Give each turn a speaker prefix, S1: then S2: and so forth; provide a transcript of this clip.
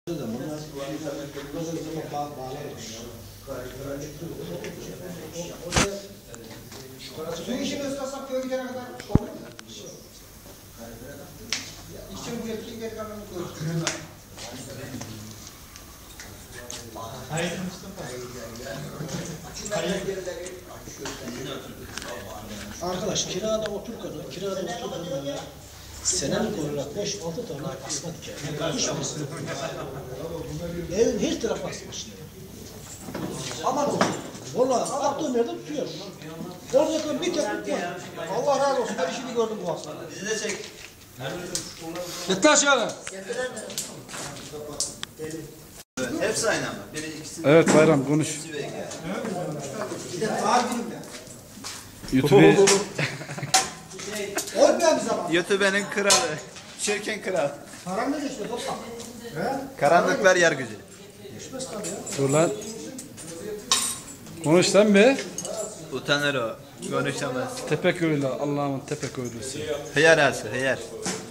S1: Suyu işini ıslasak köye gidene kadar olur mu? İçin bu yetkiyi geri kalanını koyuyoruz.
S2: Arkadaş kirada otururken senelik olarak 5-6 tane asma diker. Hiçbirisi yok. Evin her tarafı asmış. Aman olsun. Vallahi attığım yerde tutuyor. Oradaki bir tek tutmuyor. Allah razı olsun. Ben işini gördüm bu hafta.
S3: Bizi de çek.
S4: Gitti aşağıda.
S3: Hepsi aynı ama. Biri ikisi.
S4: Evet Bayram konuş.
S1: Bir de ağır günümde.
S4: YouTube'u
S1: Olmayan bir zaman.
S3: YouTube'nin kralı. Çirkin kral.
S1: Param ne geçiyor toplam?
S3: Karanlıklar yer gücü.
S1: Geçmez tabii ya.
S4: dur lan. Konuş sen be.
S3: Utanır o. Konuşamaz.
S4: Tepeköylü, Allah'ın Tepeköylüsü.
S3: Hıyar arası, hıyar.